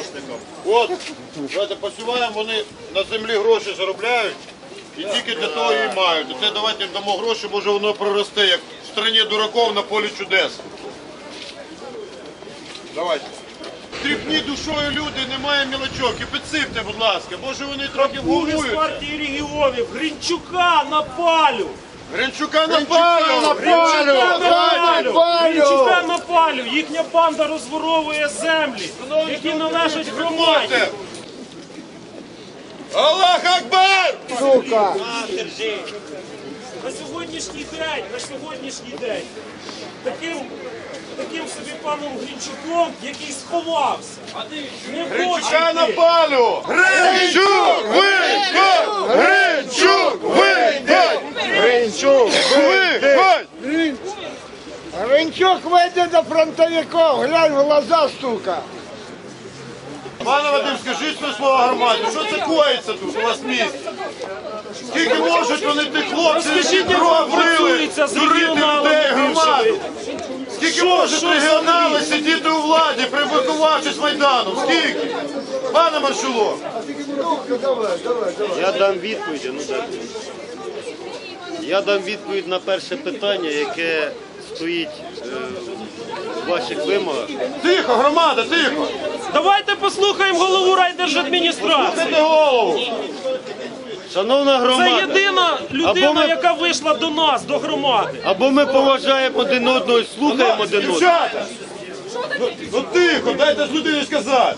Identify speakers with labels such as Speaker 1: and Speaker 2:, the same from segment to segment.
Speaker 1: помощникам. От, давайте посіваємо, вони на землі гроші заробляють і тільки для того і мають. І це давайте їм дамо гроші, може воно проросте, як в країні дураків на полі чудес. Давайте. Тріпні душою люди, немає мілочок. І підсипте, будь ласка, може вони трохи
Speaker 2: З партії регіонів Гринчука на палю!
Speaker 1: Гринчука на палю!
Speaker 2: Гринчука на палю! Їхня банда розворовує землі, які належать громаді.
Speaker 1: Аллах Акбар!
Speaker 3: Сука!
Speaker 2: На сьогоднішній день таким собі паном Гринчуком, який сховався. Не
Speaker 1: Гринчука на
Speaker 2: хоче
Speaker 1: палю! Гринчук, виходь! Гринчук, виходь!
Speaker 3: Гринчук!
Speaker 1: Виходь!
Speaker 3: Гринчук вийде до фронтовиків, глянь в глаза, сука!
Speaker 1: Пане Вадим, скажіть свої слова громаді, що це коїться тут у вас в місті? Скільки можуть вони тих хлопців,
Speaker 2: Розкажіть, як
Speaker 1: кров вили,
Speaker 2: працюється з
Speaker 1: дурити
Speaker 2: регіоналами
Speaker 1: людей, громаду?
Speaker 2: бившими?
Speaker 1: Скільки можуть регіонали сидіти у владі, прибукувавшись Майданом? Скільки? Пане Маршулов!
Speaker 4: Я дам відповідь, Я дам відповідь на перше питання, яке стоїть в ваших вимогах.
Speaker 1: Тихо, громада, тихо!
Speaker 2: Давайте послухаємо голову райдержадміністрації.
Speaker 1: Слухайте голову!
Speaker 4: Шановна
Speaker 2: Це
Speaker 4: громада,
Speaker 2: єдина людина, яка вийшла до нас, до громади.
Speaker 4: або ми поважаємо один одного і слухаємо один одного.
Speaker 1: Дівчата! Ну тихо, дайте ж людині сказати!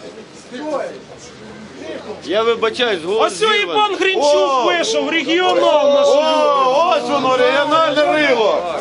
Speaker 4: Я вибачаюсь, голос
Speaker 2: Ось і
Speaker 4: зірваний.
Speaker 2: пан Гринчук вийшов, регіонал наш.
Speaker 1: О, ось воно, регіональне рило!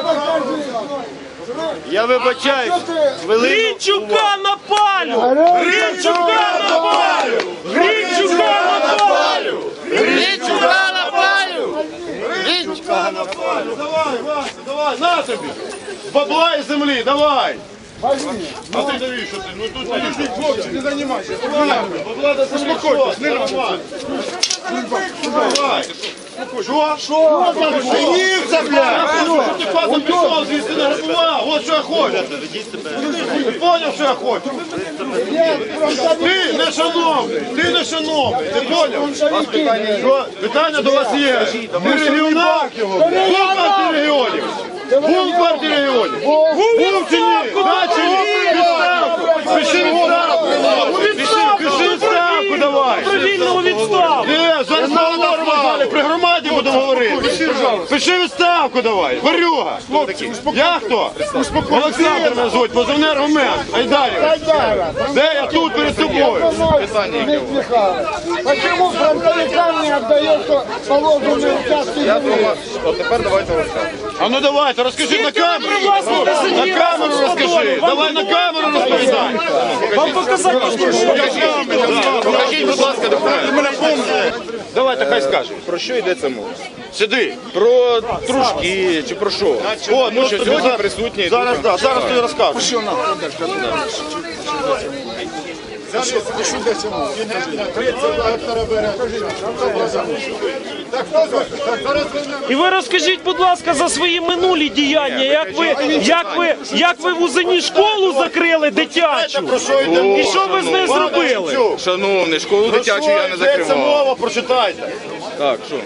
Speaker 4: Я вибачаюсь, хвилину.
Speaker 2: Гринчука на палю! Гринчука на палю! Гринчука на палю!
Speaker 1: Гринчука на палю! Гринчука на палю! Давай, Вася, давай, на тобі! Бабла і землі, давай! А ти навіщо ти? Ну тут навіщо? Хлопці, не займайся! Бабла до землі, успокойтесь, не нормально! Давай! Що? Що? Женівся, блядь! Ти пасом пішов, звідси не грабував! От що я хочу! Ти поняв, що я хочу? Ти не шановний! Ти не шановний! Ти поняв? Що? Питання до вас є! Ви регіонал? Був партії регіонів? Був партії регіонів? Був чи ні? Да чи ні? Відставку! Пиши відставку! Пиши відставку давай!
Speaker 2: Вільного відставку!
Speaker 1: Ні, зараз поговоримо в залі, при громаді будемо говорити. Пиши відставку давай, варюга. Я хто? Олександр мене звуть, позивний аргумент. Айдарів. Де я тут перед тобою?
Speaker 3: Почему фронтовикам не отдается положенные участки земли?
Speaker 5: От тепер давайте розказуємо.
Speaker 1: А ну давайте, розкажи на камеру.
Speaker 2: привласнити
Speaker 1: На
Speaker 2: землі
Speaker 1: камеру розкажи. Давай на камеру розповідай.
Speaker 2: Вам показати
Speaker 5: Покажіть, будь ласка, документи.
Speaker 1: Давайте, хай скаже.
Speaker 5: Про що йдеться мова?
Speaker 1: Сиди.
Speaker 5: Про трушки чи про що?
Speaker 1: О,
Speaker 5: Тому що
Speaker 1: тобі
Speaker 5: сьогодні
Speaker 1: зараз-
Speaker 5: присутні
Speaker 1: Зараз,
Speaker 5: тут.
Speaker 1: так, зараз тобі розкажу.
Speaker 2: І ви розкажіть, будь ласка, за свої минулі діяння, як ви в Узині школу закрили дитячу,
Speaker 1: Про що йде
Speaker 2: і що ви з нею зробили?
Speaker 5: Шановний, школу дитячу я не
Speaker 1: Йдеться
Speaker 5: закривав.
Speaker 1: мова, прочитайте.
Speaker 5: Так, що?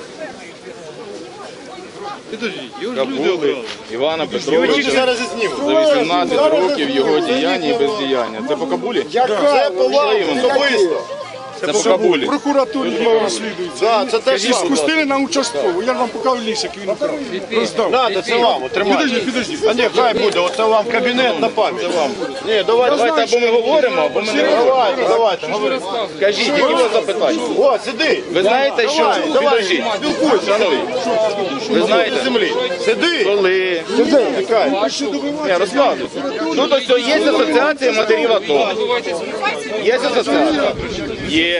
Speaker 5: Кабули Івана Петровича
Speaker 1: Зараз і зніму.
Speaker 5: за 18 років його діяння і бездіяння. Це по Кабулі?
Speaker 1: Це по вам особисто.
Speaker 5: Це по Кабулі.
Speaker 6: Прокуратурі розслідується.
Speaker 1: Да, це теж вам.
Speaker 6: Спустили на участкову. Я вам покажу ліс, як він украв. Роздав.
Speaker 1: Надо, це вам, тримайте.
Speaker 6: Підожди.
Speaker 1: А ні, хай буде, оце вам кабінет на пам'ять. Це вам. Ні,
Speaker 5: Давайте або ми говоримо, або ми не говоримо.
Speaker 1: Давайте.
Speaker 5: Кажіть, які у вас запитання?
Speaker 1: О, сиди.
Speaker 5: Ви знаєте, що... Підождіть. Шановні, ви
Speaker 1: На
Speaker 5: знаєте,
Speaker 1: землі. Сиди.
Speaker 5: коли...
Speaker 1: Чекай.
Speaker 5: Я розказую. Ну, то все, є асоціація матерів АТО. Є асоціація? Є.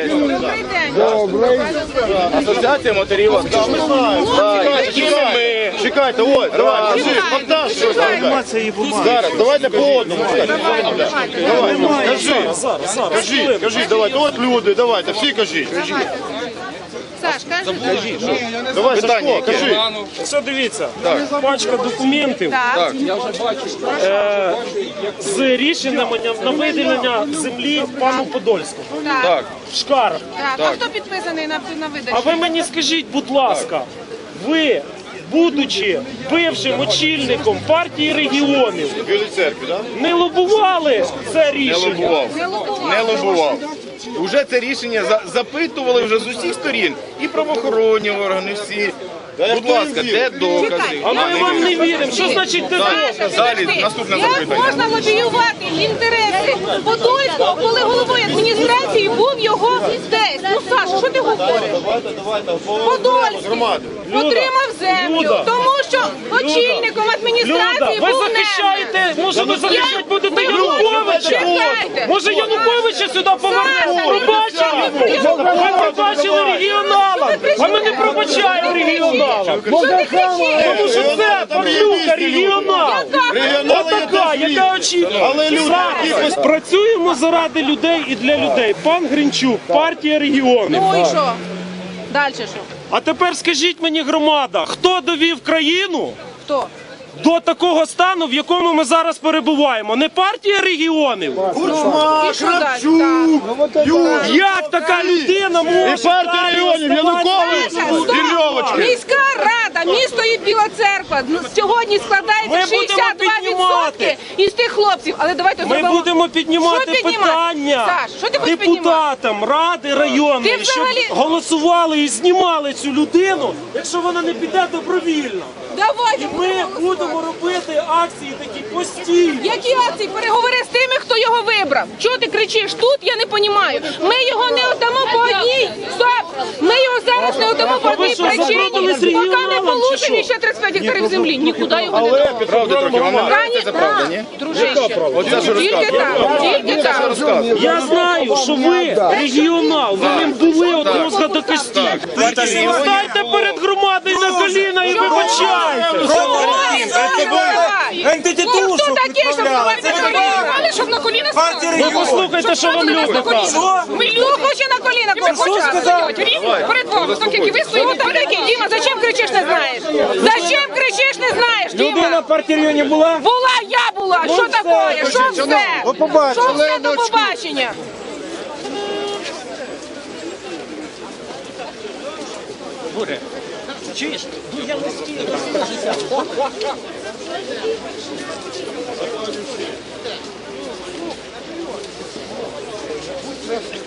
Speaker 5: Асоціація матерів АТО. Так, якими ми...
Speaker 1: Чекайте, ось, давай, кажи, монтаж щось. Зараз, давайте по одному. Давай, кажи, давайте, от люди, давайте, всі кажіть.
Speaker 7: Саш, кажи.
Speaker 1: Давай,
Speaker 5: Питання
Speaker 1: Сашко,
Speaker 5: яке?
Speaker 1: кажи.
Speaker 2: Все, дивіться, пачка документів
Speaker 7: Так.
Speaker 2: з рішенням на виділення землі пану Подольському.
Speaker 5: Так.
Speaker 2: Шкаров.
Speaker 7: Так. А хто підписаний на
Speaker 2: А
Speaker 7: видачу?
Speaker 2: ви мені скажіть, будь ласка, ви, будучи бившим очільником партії регіонів,
Speaker 5: В Білій церкві, так?
Speaker 2: не лобували це
Speaker 5: Не
Speaker 2: рішення?
Speaker 5: лобував.
Speaker 7: Не лобував.
Speaker 5: Не лобував. Уже це рішення запитували вже з усіх сторін. І правоохоронні органи всі. Будь ласка, де докази?
Speaker 2: А ми вам не віримо. Що значить те докази?
Speaker 5: Далі, наступне
Speaker 7: Як
Speaker 5: запитання.
Speaker 7: можна лобіювати інтереси Подольського, коли головою адміністрації був його тесть? Ну, Саша, що ти говориш? Подольський отримав землю,
Speaker 2: Люда.
Speaker 7: тому що очільником
Speaker 2: Люда,
Speaker 7: адміністрації
Speaker 2: ви
Speaker 7: був
Speaker 2: захищаєте, може ви захищати будете
Speaker 7: Ви
Speaker 2: Януковича?
Speaker 7: чекайте.
Speaker 2: Може Януковича сюди повернемо? Пробачимо? Ви пробачили регіоналам, а ми не пробачаємо регіоналам.
Speaker 7: Що ти кричиш?
Speaker 2: Тому що це Павлюка регіонал. Отака, яка очікує.
Speaker 1: Але люди,
Speaker 2: Зараз працюємо заради людей і для людей. Пан Гринчук, партія регіонів.
Speaker 7: Ну і що? Далі що?
Speaker 2: А тепер скажіть мені, громада, хто довів країну
Speaker 7: Хто?
Speaker 2: до такого стану, в якому ми зараз перебуваємо? Не партія регіонів?
Speaker 7: І що далі? Так.
Speaker 2: Як така людина
Speaker 1: І
Speaker 2: може
Speaker 1: партія
Speaker 2: далі
Speaker 1: регіонів, Янукович,
Speaker 7: Саша, стоп!
Speaker 1: і Льовочки.
Speaker 7: Міська рада, місто і Біла Церква сьогодні складається
Speaker 2: Ми будемо
Speaker 7: 62%
Speaker 2: піднімати.
Speaker 7: із тих хлопців. Але давайте
Speaker 2: Ми
Speaker 7: зробимо.
Speaker 2: будемо піднімати
Speaker 7: Що піднімати?
Speaker 2: питання
Speaker 7: Саш, що ти хочеш
Speaker 2: депутатам Ради районної,
Speaker 7: Ти
Speaker 2: щоб
Speaker 7: взагалі-
Speaker 2: голосували і знімали цю людину, якщо вона не піде добровільно.
Speaker 7: Давайте
Speaker 2: Ми будемо робити акції такі постійні.
Speaker 7: Які акції? Переговори з тими, хто його вибрав. Чого ти кричиш? Тут я не розумію. Ми його не отдамо по одній. Стоп! Ми його зараз не отдамо по
Speaker 2: ви
Speaker 7: одній
Speaker 2: що,
Speaker 7: причині.
Speaker 2: запродали з
Speaker 7: Поки не
Speaker 2: регіоналом, чи
Speaker 7: получимо
Speaker 2: що?
Speaker 7: ще 35 гектарів землі. Нікуди його не дамо.
Speaker 5: Правда трохи, вам не нравиться це правда, ні?
Speaker 7: Дружище,
Speaker 5: Оце що
Speaker 7: тільки
Speaker 5: розказує.
Speaker 7: так, тільки
Speaker 5: Це що
Speaker 7: так.
Speaker 5: розказує.
Speaker 2: Я знаю, що ви регіонал, ви ним були от мозга до кості. Стайте перед громадою на коліна і вибачайте.
Speaker 7: Ну, хто такий, щоб ставати на коліна? Щоб на коліна ставати?
Speaker 2: Ви послухайте, що вам люди кажуть.
Speaker 7: Мільйон хоче на коліна поставити. Перед вами, так як і ви стоїте такий. Діма, зачем кричиш, не знаєш? Зачем кричиш, не знаєш, Діма?
Speaker 2: партії регіонів була?
Speaker 7: Була, я була. Що таке? Що все? Що все до побачення?
Speaker 2: Чуєш? Я